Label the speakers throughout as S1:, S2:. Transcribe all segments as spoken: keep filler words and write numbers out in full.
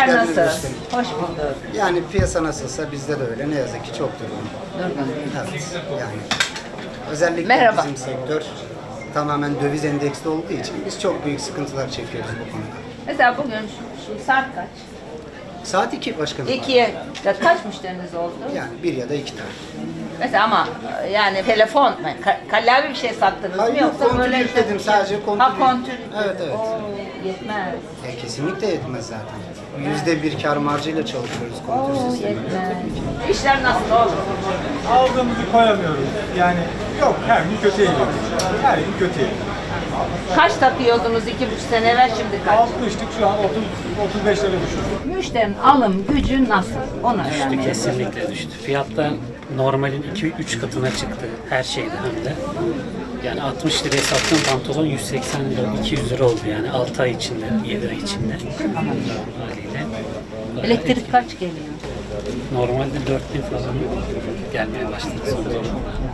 S1: İşler
S2: geldiniz
S1: nasıl?
S2: Müslüm.
S1: Hoş bulduk.
S2: Yani piyasa nasılsa bizde de öyle. Ne yazık ki çok durgun.
S1: Durgun.
S2: Evet. Yani özellikle
S1: Merhaba.
S2: bizim sektör tamamen döviz endeksli olduğu için biz çok büyük sıkıntılar çekiyoruz bu konuda.
S1: Mesela bugün şu, şu saat kaç?
S2: Saat iki başkanım.
S1: İkiye ya kaç müşteriniz oldu?
S2: Yani bir ya da iki tane.
S1: Mesela ama yani telefon, ka- kallavi bir şey sattınız
S2: Hayır,
S1: mı
S2: yok,
S1: yoksa
S2: kontür
S1: böyle
S2: yükledim, sadece kontür
S1: Ha
S2: yük-
S1: kontür.
S2: Evet, evet.
S1: Oo, yetmez.
S2: E, kesinlikle yetmez zaten. Yüzde bir kar marjıyla çalışıyoruz kontür
S1: Oo,
S2: sistemiyle.
S1: yetmez. İşler nasıl oğlum?
S3: Aldığımızı koyamıyoruz. Yani yok, her gün kötüye gidiyoruz. Her gün kötüye.
S1: Kaç takıyordunuz iki buçuk sene evvel, şimdi kaç?
S3: Altmıştık, şu an otuz otuz beş lira düşürdük.
S1: Müşterinin alım gücü nasıl? Onu
S4: Düştü,
S1: öğrenmek.
S4: kesinlikle düştü. Fiyatta normalin iki üç katına çıktı her şeyde hem de. Yani altmış liraya sattığım pantolon yüz seksen lira, iki yüz lira oldu yani altı ay içinde, yedi ay içinde. Haliyle.
S1: Elektrik kaç geliyor?
S4: Normalde dört bin falan gelmeye başladı son zamanlarda.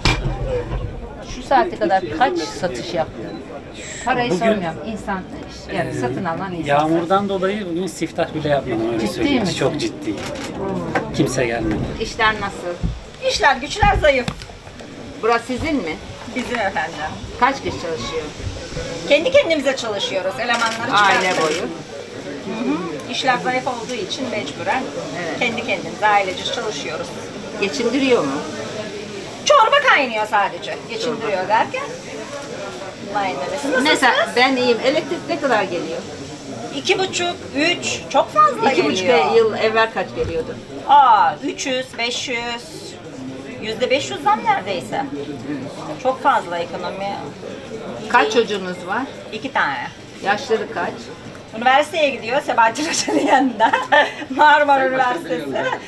S1: Şu saate kadar kaç satış yaptın? Parayı
S4: Bugün-
S1: sormuyorum. İnsan, yani satın alan insan.
S4: Yağmurdan dolayı bugün siftah bile yapmadım öyle
S1: Ciddi
S4: söyleyeyim.
S1: misin?
S4: Çok ciddi. Kimse gelmedi.
S1: İşler nasıl?
S5: İşler güçler zayıf
S1: Burası sizin mi?
S5: bizim efendim.
S1: Kaç kişi çalışıyor?
S5: Kendi kendimize çalışıyoruz, elemanları
S1: Aile
S5: çıkarttık.
S1: boyu.
S5: İşler zayıf olduğu için mecburen
S1: Evet.
S5: kendi kendimize ailece çalışıyoruz.
S1: Geçindiriyor mu?
S5: Çorba kaynıyor sadece, geçindiriyor derken. Aynen öyle. Siz nasılsınız?
S1: Mesela ben iyiyim. Elektrik ne kadar geliyor?
S5: İki buçuk, üç, çok fazla
S1: İki buçuk
S5: geliyor.
S1: yıl evvel kaç geliyordu?
S5: Aa, üç yüz, beş yüz, yüzde beş yüz zam neredeyse. Çok fazla ekonomi.
S1: Kaç çocuğunuz var?
S5: İki tane.
S1: Yaşları kaç?
S5: Üniversiteye gidiyor Sebahattin Hoca'nın yanında. Marmara Üniversitesi.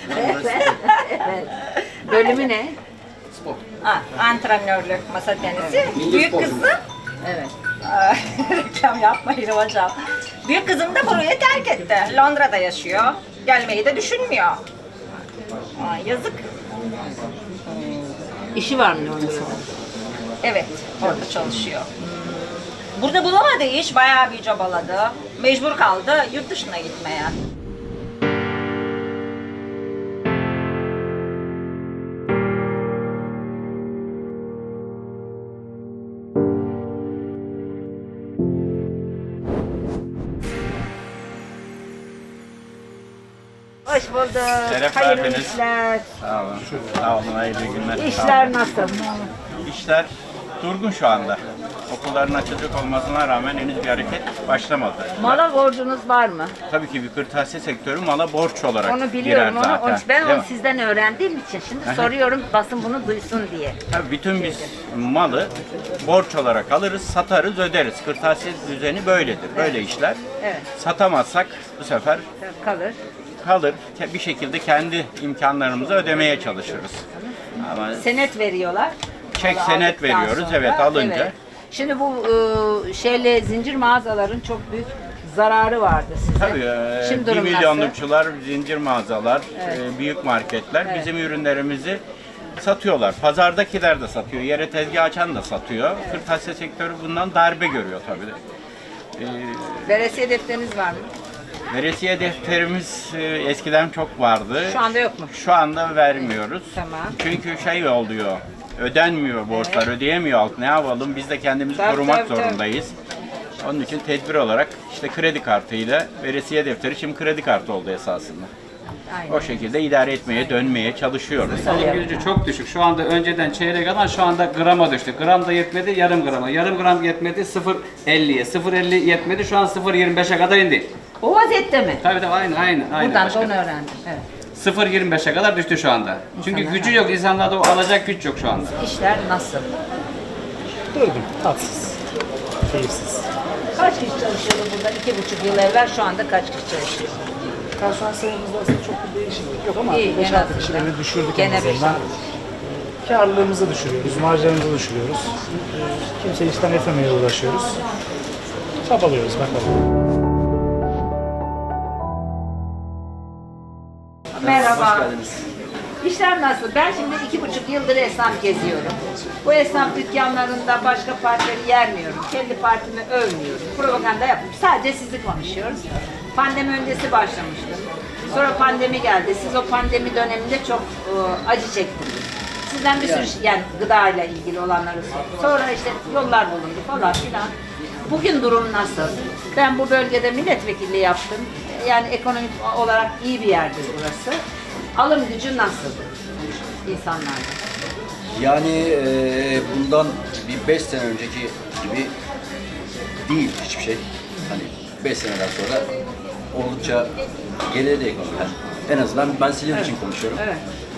S1: Evet. Bölümü ne?
S5: Ha, antrenörlük, masa tenisi. Büyük kızım,
S1: Evet.
S5: Aa, reklam yapmayın hocam. Büyük kızım da burayı terk etti. Londra'da yaşıyor. Gelmeyi de düşünmüyor. Aa, yazık.
S1: İşi var mı Londra'da?
S5: Evet, orada çalışıyor. Burada bulamadı iş, bayağı bir çabaladı. Mecbur kaldı yurt dışına gitmeye.
S1: Hoş bulduk.
S6: Şeref
S1: Hayırlı
S6: verdiniz.
S1: işler.
S6: Sağ olun. Sağ olun. Hayırlı günler. Sağ
S1: İşler
S6: olun.
S1: nasıl?
S6: İşler durgun şu anda. Okulların açılacak olmasına rağmen henüz bir hareket başlamadı.
S1: Mala borcunuz var mı?
S6: Tabii ki bir kırtasiye sektörü mala borç olarak
S1: Onu biliyorum.
S6: girer
S1: Onu,
S6: zaten.
S1: onu- ben
S6: Değil
S1: onu
S6: mi?
S1: sizden öğrendiğim için şimdi
S6: Aha.
S1: soruyorum basın bunu duysun diye.
S6: Tabii bütün biz malı borç olarak alırız, satarız, öderiz. Kırtasiye düzeni böyledir. Böyle işler.
S1: Evet.
S6: Satamazsak bu sefer
S1: Kalır.
S6: kalır. Bir şekilde kendi imkanlarımızı ödemeye çalışırız. Ama
S1: Senet veriyorlar.
S6: çek
S1: Malı
S6: senet
S1: aldıktan
S6: veriyoruz.
S1: sonra.
S6: Evet, alınca.
S1: Evet. Şimdi bu e, şeyle zincir mağazaların çok büyük zararı vardı size.
S6: Tabii, e,
S1: Şimdi
S6: bir
S1: durum
S6: milyonlukçular, zincir mağazalar, e, büyük marketler
S1: Evet.
S6: bizim ürünlerimizi satıyorlar. Pazardakiler de satıyor, yere tezgah açan da satıyor. Kırtasiye sektörü bundan darbe görüyor tabii. E,
S1: Veresiye defteriniz var mı?
S6: veresiye defterimiz e, eskiden çok vardı.
S1: Şu anda yok mu?
S6: Şu anda vermiyoruz.
S1: Tamam.
S6: Çünkü şey oluyor, ödenmiyor borçlar, ödeyemiyor halk. Ne yapalım? Biz de kendimizi
S1: Tabii,
S6: korumak
S1: tabii, tabii.
S6: zorundayız. Onun için tedbir olarak işte kredi kartıyla veresiye defteri şimdi kredi kartı oldu esasında.
S1: Aynen.
S6: O şekilde idare etmeye, dönmeye çalışıyoruz.
S7: Alım gücü çok düşük. Şu anda önceden çeyrek alan şu anda grama düştü. Gram da yetmedi, yarım grama. Yarım gram yetmedi, sıfır elliye. sıfır elli yetmedi, şu an sıfır yirmi beşe kadar indi.
S1: O vaziyette mi?
S7: Tabii tabii aynı aynı. aynı
S1: Buradan da
S7: başkanım.
S1: onu öğrendim. Evet.
S7: sıfır yirmi beşe kadar düştü şu anda. Çünkü
S1: İnsanlar-
S7: gücü yok. İnsanlarda o alacak güç yok şu anda.
S1: İşler nasıl?
S8: Durgun, tatsız, keyifsiz.
S1: Kaç kişi çalışıyordu burada iki buçuk yıl evvel, şu anda kaç kişi çalışıyor?
S8: Personel sayımızda aslında çok bir değişiklik yok ama
S1: İyi,
S8: beş
S1: en
S8: altı
S1: azından.
S8: kişileri düşürdük
S1: Gene
S8: en
S1: beş
S8: azından.
S1: altı.
S8: Karlılığımızı düşürüyoruz, marjlarımızı düşürüyoruz. Ee, Kimse işten etmemeye uğraşıyoruz. Çabalıyoruz bakalım.
S1: Merhaba. İşler nasıl? Ben şimdi iki buçuk yıldır esnaf geziyorum. Bu esnaf dükkanlarında başka partileri yermiyorum. Kendi partimi övmüyorum. Propaganda yapmıyorum. Sadece sizi konuşuyoruz. Pandemi öncesi başlamıştım. Sonra pandemi geldi. Siz o pandemi döneminde çok e, acı çektiniz. Sizden bir sürü şey, yani gıdayla ilgili olanları sor- sonra işte yollar bulundu falan filan. Bugün durum nasıl? Ben bu bölgede milletvekilliği yaptım. Yani ekonomik olarak iyi bir yerdir burası. Alım gücü nasıl insanlarda?
S9: Yani e, bundan bir beş sene önceki gibi değil hiçbir şey. Hani beş seneden sonra oldukça geriledi ekonomi. Yani en azından ben Silivri için konuşuyorum.
S1: Evet.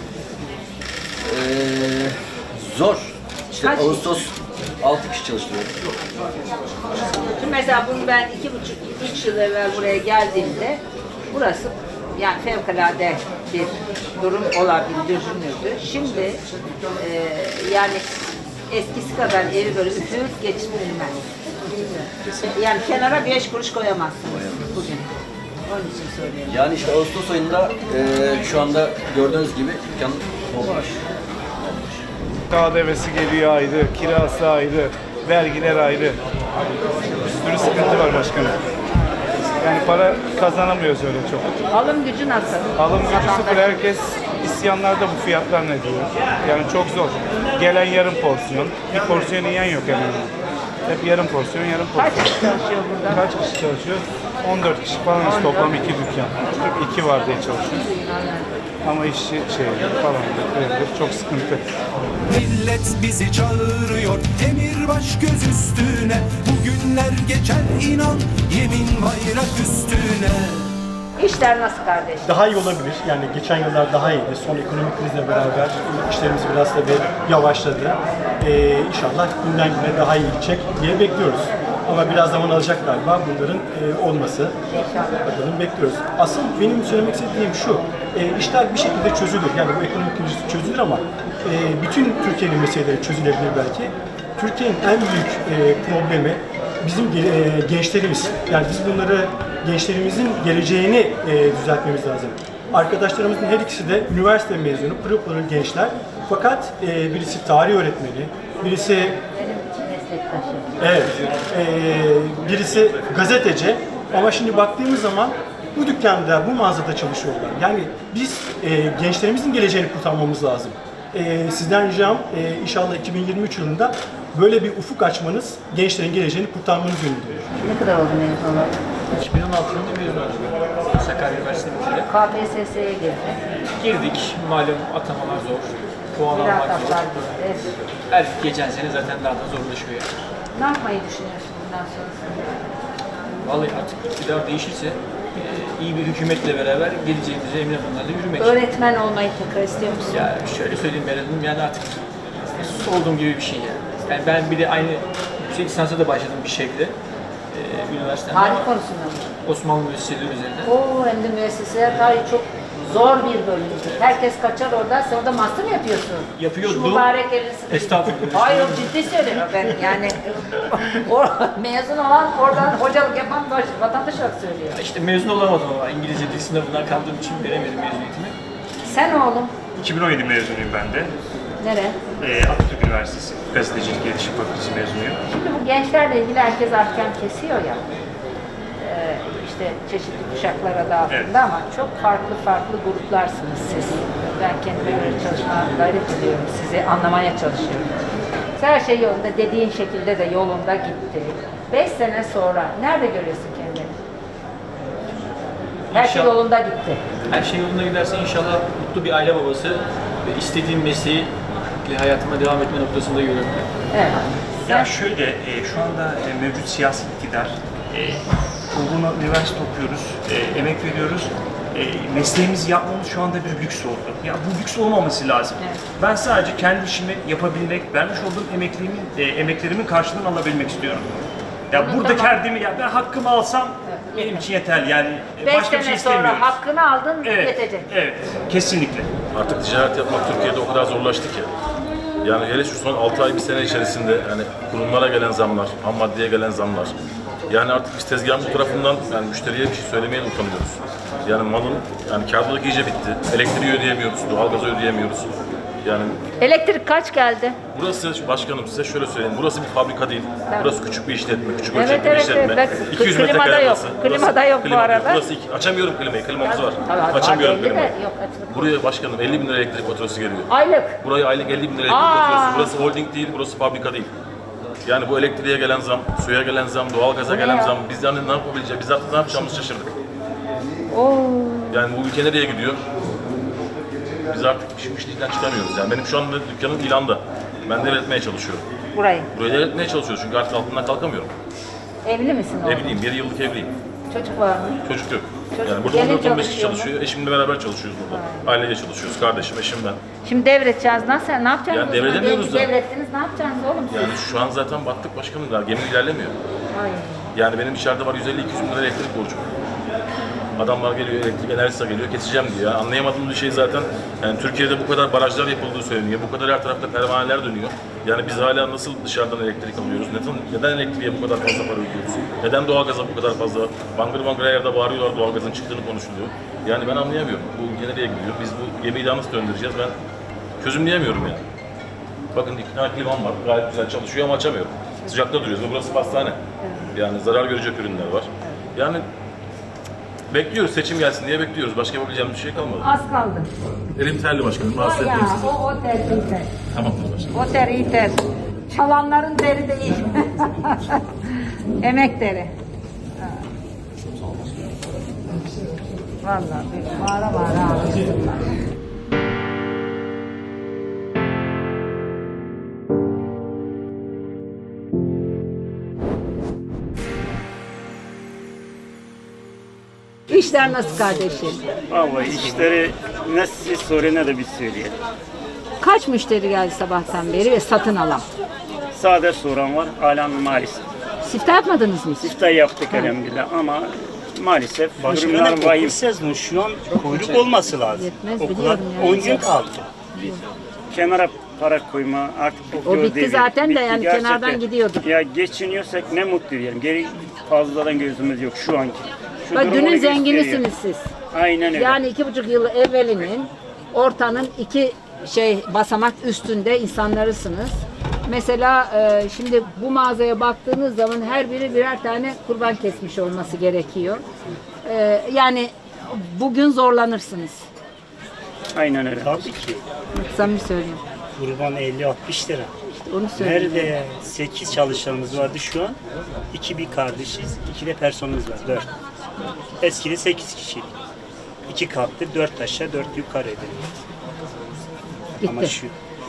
S9: Ee, zor. İşte
S1: Kaç
S9: Ağustos altı kişi çalıştırıyorum.
S1: Şimdi mesela bunu ben iki buçuk, üç yıl evvel buraya geldiğimde burası yani fevkalade bir durum olabilir, düşünüldü. Şimdi e, yani eskisi kadar evi böyle üfürüp geçirilmez. Yani kenara beş kuruş koyamazsınız bugün. Onun için söylüyorum.
S9: Yani işte Ağustos ayında e, şu anda gördüğünüz gibi dükkan olmuş.
S8: K D V'si geliyor ayrı, kirası ayrı, vergiler ayrı. Bir sürü sıkıntı var başkanım. Yani para kazanamıyoruz öyle çok.
S1: Alım gücü nasıl?
S8: Alım gücü
S1: Vatandaş-
S8: sıfır, herkes isyanlarda bu fiyatlar ne diyor. Yani çok zor. Gelen yarım porsiyon, bir porsiyon yiyen yok hemen. Hep yarım porsiyon, yarım porsiyon.
S1: Kaç kişi çalışıyor burada?
S8: Kaç kişi çalışıyor? on dört kişi falan, işte toplam iki dükkan. İki var diye çalışıyoruz. Ama işçi şey falan böyle çok sıkıntı.
S10: Millet bizi çağırıyor, emir baş göz üstüne. Bugünler geçer inan, yemin bayrak üstüne.
S1: İşler nasıl kardeş?
S11: Daha iyi olabilir. Yani geçen yıllar daha iyiydi. Son ekonomik krizle beraber işlerimiz biraz da bir yavaşladı. Ee, inşallah günden güne daha iyi gidecek diye bekliyoruz. Ama biraz zaman alacak galiba bunların e, olması. Bakalım bekliyoruz. Asıl benim söylemek istediğim şu. E, işler bir şekilde çözülür. Yani bu ekonomik kriz çözülür ama e, bütün Türkiye'nin meseleleri çözülebilir belki. Türkiye'nin en büyük e, problemi bizim e, gençlerimiz. Yani biz bunları gençlerimizin geleceğini e, düzeltmemiz lazım. Arkadaşlarımızın her ikisi de üniversite mezunu, pırıl pırıl gençler. Fakat e, birisi tarih öğretmeni, birisi
S1: Meslektaşım.
S11: evet, e, birisi gazeteci. Ama şimdi baktığımız zaman bu dükkanda, bu mağazada çalışıyorlar. Yani biz e, gençlerimizin geleceğini kurtarmamız lazım. E, sizden ricam e, inşallah iki bin yirmi üç yılında böyle bir ufuk açmanız, gençlerin geleceğini kurtarmanız yönünde.
S1: Ne kadar oldu mezun olalı?
S12: iki bin on altı yılında mezun oldum. Sakarya Üniversitesi'nde.
S1: K P S S'ye girdi.
S12: Girdik. Malum atamalar zor. Puan almak
S1: Mülakatlar
S12: zor.
S1: girdi.
S12: Her geçen sene zaten daha da zorlaşıyor yani.
S1: Ne yapmayı düşünüyorsun bundan sonrasında?
S12: Vallahi artık iktidar değişirse e, iyi bir hükümetle beraber geleceğimize emin adımlarla yürümek.
S1: Öğretmen olmayı tekrar istiyor musun?
S12: Ya şöyle söyleyeyim Meral Hanım, yani artık olduğum gibi bir şey yani. Yani ben bir de aynı yüksek lisansa da başladım bir şekilde. Ee, üniversitede.
S1: Tarih konusunda mı?
S12: Osmanlı müesseseleri üzerine.
S1: Oo, hem de müesseseler tarihi çok zor bir bölümdür. Herkes kaçar oradan, sen orada master mı yapıyorsun?
S12: Yapıyordum.
S1: Şu mübarek elini sıkıştı.
S12: Estağfurullah.
S1: Hayır, ciddi söylüyorum ben yani. o, mezun olan, oradan hocalık yapan baş, vatandaş olarak söylüyor.
S12: İşte mezun olamadım ama İngilizce dil sınavından kaldığım için veremedim mezuniyetimi.
S1: Sen oğlum,
S13: iki bin on yedi mezunuyum ben de.
S1: nere?
S13: Ee, Atatürk Üniversitesi Gazetecilik İletişim Fakültesi mezunuyum.
S1: Şimdi bu gençlerle ilgili herkes ahkam kesiyor ya. Ee, işte çeşitli kuşaklar adı altında
S13: Evet.
S1: ama çok farklı farklı gruplarsınız siz. Ben kendime göre çalışmaya gayret ediyorum. Sizi anlamaya çalışıyorum. Her şey yolunda, dediğin şekilde de yolunda gitti. Beş sene sonra nerede görüyorsun kendini? Her şey
S12: İnşallah.
S1: yolunda gitti.
S12: Her şey yolunda giderse inşallah mutlu bir aile babası ve istediğim mesleği hayatıma devam etme noktasında görüyorum.
S1: Evet.
S13: Ya şöyle, e, şu anda e, mevcut siyasi iktidar, e, uğruna üniversite okuyoruz, e, emek veriyoruz. E, mesleğimizi yapmamız şu anda bir lüks oldu. Ya bu lüks olmaması lazım.
S1: Evet.
S13: Ben sadece kendi işimi yapabilmek, vermiş olduğum emeklerimin, e, emeklerimin karşılığını alabilmek istiyorum. Ya
S1: Bunu
S13: burada
S1: tamam.
S13: kendimi, ya ben hakkımı alsam benim için yeterli. Yani e,
S1: Beş
S13: başka bir
S1: sene
S13: şey
S1: sonra
S13: istemiyoruz.
S1: hakkını aldın,
S13: Evet,
S1: yetecek.
S13: evet, kesinlikle.
S14: Artık ticaret yapmak Türkiye'de o kadar zorlaştı ki. Yani hele şu son altı ay bir sene içerisinde yani kurumlara gelen zamlar, ham maddeye gelen zamlar. Yani artık biz tezgahın bu tarafından yani müşteriye bir şey söylemeye de utanıyoruz. Yani malın yani kârlılık iyice bitti. Elektriği ödeyemiyoruz, doğalgazı ödeyemiyoruz. Yani
S1: Elektrik kaç geldi?
S14: burası başkanım size şöyle söyleyeyim. Burası bir fabrika değil.
S1: Tamam.
S14: Burası küçük bir işletme, küçük
S1: Evet,
S14: ölçekli bir
S1: evet,
S14: işletme.
S1: evet.
S14: iki yüz
S1: Klimada
S14: metrekare
S1: yok.
S14: burası.
S1: Klimada
S14: Burası-
S1: yok bu
S14: klima
S1: arada.
S14: Burası iki, açamıyorum klimayı. Klimamız var.
S1: Tabii,
S14: Açamıyorum
S1: belli de
S14: klimayı.
S1: yok, açılık.
S14: Buraya başkanım elli bin lira elektrik faturası geliyor.
S1: Aylık.
S14: Buraya aylık elli bin lira elektrik
S1: Aa.
S14: faturası. Burası holding değil, burası fabrika değil. Yani bu elektriğe gelen zam, suya gelen zam, doğalgaza
S1: Bu ne
S14: gelen
S1: ya?
S14: zam, biz yani ne yapabileceğiz, biz artık ne yapacağımızı şaşırdık.
S1: Oo.
S14: Yani bu ülke nereye gidiyor? Biz artık işin işten çıkamıyoruz. Yani benim şu anda dükkanım ilanda. Ben devretmeye çalışıyorum.
S1: Burayı.
S14: Burayı devretmeye çalışıyoruz çünkü artık altından kalkamıyorum.
S1: Evli misin oğlum?
S14: Evliyim, bir yıllık evliyim.
S1: Çocuk var mı?
S14: Çocuk yok.
S1: Çocuk-
S14: Yani burada
S1: gelin
S14: on dört on beş kişi
S1: çalışıyor mu?
S14: çalışıyor. Eşimle beraber çalışıyoruz burada. Ailece çalışıyoruz. Kardeşim, eşim ben.
S1: Şimdi devredeceğiz. Nasıl? Ne yapacaksınız?
S14: Yani
S1: o zaman?
S14: devredemiyoruz
S1: Diyelim ki
S14: da.
S1: Devrettiniz. Ne yapacaksınız oğlum siz?
S14: Yani şu an zaten battık başkanım daha. Gemi ilerlemiyor.
S1: Ay.
S14: Yani benim içeride var yüz elli iki yüz bin lira elektrik borcum. Adamlar geliyor, elektrik enerjisi geliyor, keseceğim diyor. Yani anlayamadığım bir şey zaten, yani Türkiye'de bu kadar barajlar yapıldığı söyleniyor, bu kadar her tarafta pervaneler dönüyor. Yani biz hala nasıl dışarıdan elektrik alıyoruz, neden, neden elektriğe bu kadar fazla para ödüyoruz, neden doğalgaza bu kadar fazla, bangır bangır her yerde bağırıyorlar, doğalgazın çıktığını konuşuluyor. Yani ben anlayamıyorum, bu ülke nereye gidiyor, biz bu gemiyi daha nasıl döndüreceğiz, ben çözümleyemiyorum yani. Bakın iki tane klimam var, gayet güzel çalışıyor ama açamıyorum. Sıcakta duruyoruz ve burası pastane. Yani zarar görecek ürünler var. Yani bekliyoruz, seçim gelsin diye bekliyoruz. Başka yapabileceğimiz bir şey kalmadı.
S1: Az kaldı.
S14: Elim terli başkanım,
S1: O
S14: rahatsız
S1: ya,
S14: etmeyeyim sizi.
S1: o, o ter, iyi ter.
S14: Tamamdır başkanım.
S1: O ter, iyi ter. Çalanların teri de iyi. Emek teri. Ha. Vallahi bir bağıra bağıra ağlıyorlar. İşler nasıl kardeşim?
S15: Vallahi işleri ne siz sorun ne de biz söyleyelim.
S1: Kaç müşteri geldi sabahtan beri ve satın alan?
S15: Sade soran var, hala maalesef.
S1: Siftah yapmadınız mı?
S15: Siftah yaptık elhamdülillah ama maalesef durumlar
S11: Başkanım
S15: vahim.
S11: okul sezonu şu an kuyruk olması lazım.
S1: Yetmez,
S11: Okula
S1: biliyorum ya.
S11: on gün kaldı.
S15: Kenara para koyma artık bu
S1: O
S15: zor
S1: bitti
S15: devir.
S1: zaten de
S15: Bitti
S1: yani
S15: gerçekten.
S1: kenardan gidiyordu.
S15: Ya geçiniyorsak ne mutlu diyelim. Geri fazladan gözümüz yok şu anki. Şu
S1: Bak
S15: durum
S1: dünün
S15: onu
S1: zenginisiniz
S15: gösteriyor.
S1: siz.
S15: Aynen öyle.
S1: Yani iki buçuk yıl evvelinin ortanın iki şey basamak üstünde insanlarısınız. Mesela e, şimdi bu mağazaya baktığınız zaman her biri birer tane kurban kesmiş olması gerekiyor. E, yani bugün zorlanırsınız.
S15: Aynen öyle.
S11: Tabii ki.
S1: Samimi söyleyeyim.
S11: Kurban elli altmış lira.
S1: Onu söyleyeyim.
S11: Nerede sekiz çalışanımız vardı şu an? iki bir kardeşiz, iki de personelimiz var, dört. Eskide sekiz kişiydik. iki katlı, dört aşağı, dört yukarı edildi. Ama şu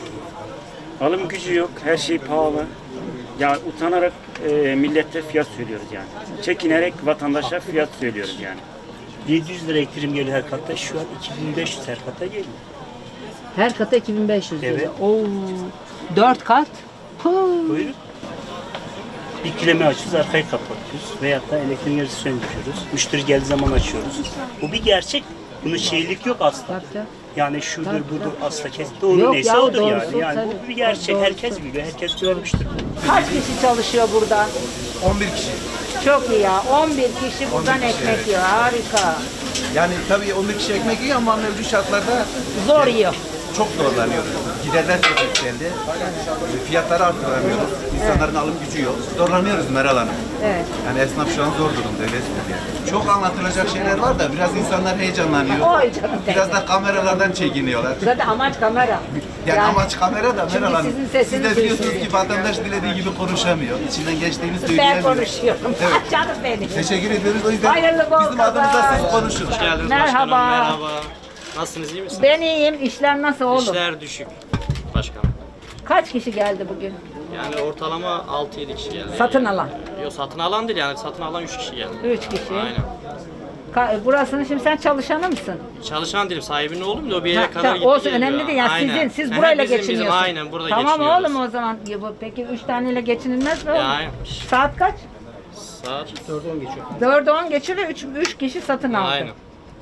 S15: Alım gücü yok, her şey pahalı. Ya utanarak e, millete fiyat söylüyoruz yani. Çekinerek vatandaşa fiyat söylüyoruz yani.
S11: yedi yüz lira elektrim geliyor her katta, şu an iki bin beş yüz her kata geliyor.
S1: Her kata iki bin beş yüz lira.
S11: Evet.
S1: Oo, dört kat. Huu.
S11: Buyurun. Bir kilemi açıyoruz, arkayı kapatıyoruz. Veyahut da elektriğin yarısı söndürüyoruz. Müşteri geldiği zaman açıyoruz. Bu bir gerçek. Bunun şeylik yok asla. Yani şudur budur asla kes. Doğru
S1: Yok
S11: neyse
S1: ya,
S11: odur
S1: doğrusu,
S11: yani. Yani
S1: tabii.
S11: bu bir gerçek.
S1: Doğrusu.
S11: Herkes biliyor. Herkes görmüştür.
S1: Kaç kişi çalışıyor burada?
S16: on bir kişi.
S1: Çok iyi ya. on bir kişi buradan
S16: on bir kişi,
S1: ekmek
S16: evet.
S1: yiyor. Harika.
S16: Yani tabii on bir kişi ekmek yiyor ama mevcut şartlarda
S1: Zor yiyor.
S16: çok zorlanıyoruz. Giderler çok yükseldi. Fiyatları arttıramıyoruz. İnsanların alım gücü yok. Zorlanıyoruz Meral Hanım.
S1: Evet.
S16: Yani esnaf şu an zor durumda öyle söyleyeyim. Çok anlatılacak şeyler var da biraz insanlar heyecanlanıyor.
S1: Oy canım
S16: Biraz da kameralardan çekiniyorlar.
S1: Zaten amaç kamera.
S16: Yani, amaç kamera da
S1: çünkü
S16: Meral Hanım.
S1: sizin
S16: Siz
S1: sesiniz
S16: de biliyorsunuz
S1: duysun
S16: ki vatandaş dilediği gibi konuşamıyor. İçinden geçtiğini
S1: Ben
S16: söyleyemiyor.
S1: konuşuyorum.
S16: Evet.
S1: Canım benim.
S16: Teşekkür ediyoruz. O yüzden
S1: Hayırlı bol
S16: bizim adımıza
S1: kazanç.
S16: siz konuşun.
S17: Hoş geldiniz
S1: Merhaba.
S17: başkanım. Merhaba. Nasılsınız, iyi misiniz?
S1: Ben iyiyim. İşler nasıl oğlum?
S17: İşler düşük başkanım.
S1: Kaç kişi geldi bugün?
S17: Yani ortalama altı yedi kişi geldi.
S1: Satın alan.
S17: Yok satın alan değil yani satın alan üç kişi geldi.
S1: Üç kişi.
S17: Aynen.
S1: Ka- burasının şimdi sen çalışanı mısın?
S17: Çalışan değilim, sahibinin oğlum da o bir yere
S1: Ha,
S17: kadar
S1: tamam,
S17: gitti
S1: olsun,
S17: geliyor.
S1: önemli değil yani
S17: Aynen.
S1: sizin, siz
S17: Aha,
S1: burayla
S17: bizim,
S1: geçiniyorsunuz.
S17: Bizim, aynen burada
S1: tamam
S17: geçiniyoruz.
S1: oğlum o zaman. Ya bu- Peki üç taneyle geçinilmez mi oğlum?
S17: Ya, aynen.
S1: Saat kaç?
S17: Saat dörde on geçiyor.
S1: Dörde on geçiyor ve üç, üç kişi satın aldı.
S17: Aynen.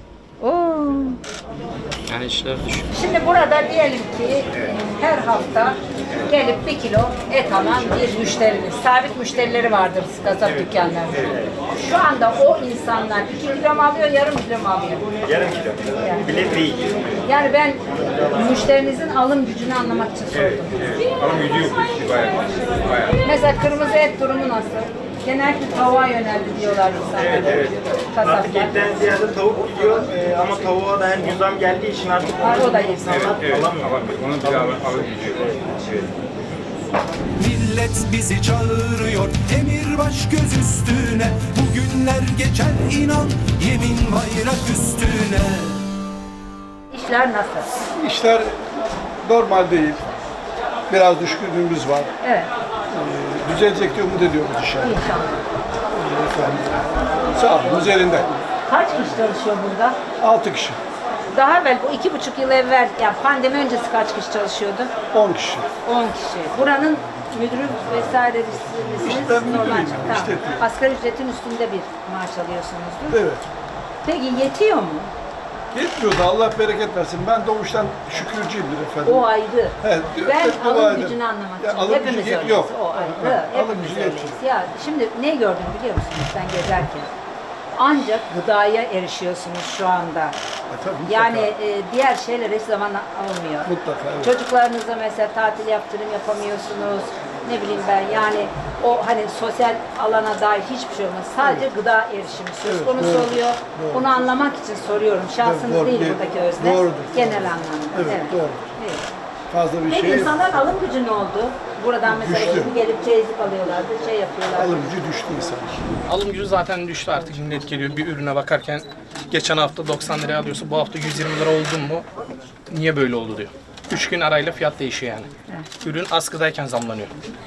S1: Oo.
S17: Yani işler düşük.
S1: Şimdi burada diyelim ki her hafta gelip bir kilo et alan bir müşteriniz, sabit müşterileri vardır kasap dükkanlarında. Şu anda o insanlar iki kilo mu alıyor, yarım kilo mu alıyor?
S15: Yarım kilo.
S1: Yani.
S15: Bile değil.
S1: Yani ben müşterinizin alım gücünü anlamak için sordum.
S3: Alım gücü yok. Bayağı. Bayağı.
S1: Mesela kırmızı et durumu nasıl? Genellikle tavuğa yöneldi diyorlar insanlar.
S15: Evet, evet.
S1: Kasaplar.
S15: Artık etten ziyade tavuk gidiyor ee, ama tavuğa da hem zam geldiği için artık
S1: Ha, o da iyi.
S15: insanlar alamıyor.
S3: Onun bir alım gücü yok. Evet.
S10: Millet bizi çağırıyor, emir baş göz üstüne. Bugünler geçer inan, yemin bayrak üstüne.
S1: İşler nasıl?
S18: İşler normal değil. Biraz düşkünlüğümüz var.
S1: Evet.
S18: Ee, düzelecek diye umut ediyoruz inşallah.
S1: İnşallah.
S18: Efendim. Sağlığımız yerinde.
S1: Kaç kişi çalışıyor burada?
S18: Altı kişi.
S1: Daha evvel bu iki buçuk yıl evvel, yani pandemi öncesi kaç kişi çalışıyordu?
S18: On kişi.
S1: On kişi. Buranın müdürü vesaire misiniz?
S18: İşte ben
S1: Normal.
S18: müdürüyüm,
S1: Tamam.
S18: işletmeyim.
S1: Asgari ücretin üstünde bir maaş alıyorsunuzdur.
S18: Evet.
S1: Peki yetiyor mu?
S18: Yetmiyor da Allah bereket versin. Ben doğuştan şükürcüyümdür efendim.
S1: O ayrı.
S18: Evet,
S1: Ben
S18: hep dua
S1: alım
S18: ederim.
S1: gücünü anlamak
S18: Ya,
S1: için.
S18: alım
S1: Hepimiz
S18: gücü
S1: öyleyiz.
S18: yok.
S1: O ayrı.
S18: Ha, alım
S1: Hepimiz
S18: gücü
S1: öyleyiz.
S18: yetmiyor.
S1: Ya şimdi ne gördüm biliyor musunuz ben gezerken? Ancak gıdaya erişiyorsunuz şu anda.
S18: tabii,
S1: Yani e, diğer şeyler hiç zaman almıyor.
S18: Mutlaka, evet.
S1: Çocuklarınıza mesela tatil yaptırım yapamıyorsunuz. Ne bileyim ben yani o hani sosyal alana dair hiçbir şey olmaz. Sadece gıda erişimi söz
S18: Evet,
S1: konusu
S18: doğru,
S1: oluyor.
S18: doğru.
S1: Bunu anlamak için soruyorum. Şahsınız
S18: Doğru,
S1: değil
S18: değil.
S1: buradaki özne.
S18: Doğrudur.
S1: Genel anlamda.
S18: Evet, doğru.
S1: Evet.
S18: Fazla bir
S1: Peki
S18: şey
S1: insanların alım gücü ne oldu? Buradan mesela
S18: Düştü.
S1: şimdi gelip çeyizlik alıyorlardı, şey yapıyorlardı.
S18: alım gücü düştü insan.
S12: Alım gücü zaten düştü artık. Millet geliyor bir ürüne bakarken geçen hafta doksan liraya alıyorsa bu hafta yüz yirmi lira oldu mu niye böyle oldu diyor. Üç gün arayla fiyat değişiyor yani.
S1: Evet.
S12: Ürün askıdayken zamlanıyor.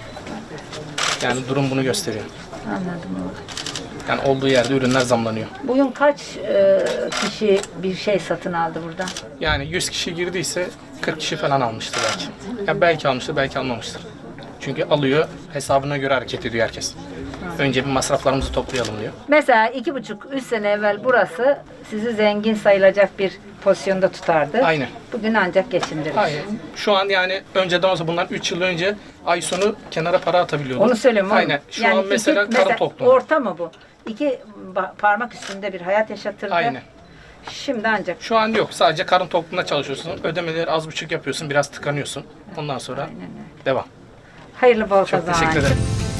S12: Yani durum bunu gösteriyor.
S1: Anladım.
S12: Yani olduğu yerde ürünler zamlanıyor.
S1: Bugün kaç e, kişi bir şey satın aldı buradan?
S12: Yani yüz kişi girdiyse kırk kişi falan almıştır belki. Yani belki almıştır, belki almamıştır. Çünkü alıyor, hesabına göre hareket ediyor herkes. Önce bir masraflarımızı toplayalım diyor.
S1: Mesela iki buçuk, üç sene evvel burası sizi zengin sayılacak bir pozisyonda tutardı.
S12: Aynen.
S1: Bugün ancak geçindirir.
S12: Hayır. Şu an yani önceden olsa bundan üç yıl önce ay sonu kenara para atabiliyorduk.
S1: Onu söylüyorum oğlum.
S12: Aynen. Şu
S1: Yani
S12: an mesela
S1: iki-
S12: karın tokluğu.
S1: Orta mı bu? İki ba- parmak üstünde bir hayat yaşatırdı.
S12: Aynen.
S1: Şimdi ancak.
S12: Şu an yok. Sadece karın tokluğunda çalışıyorsun. Ödemeleri az buçuk yapıyorsun. Biraz tıkanıyorsun. Ondan sonra devam.
S1: Hayırlı bol
S12: Çok
S1: kazanç.
S12: teşekkür ederim.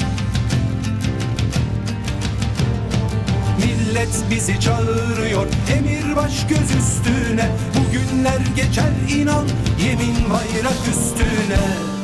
S10: Millet bizi çağırıyor, emir baş göz üstüne. Bugünler geçer inan, yemin bayrak üstüne.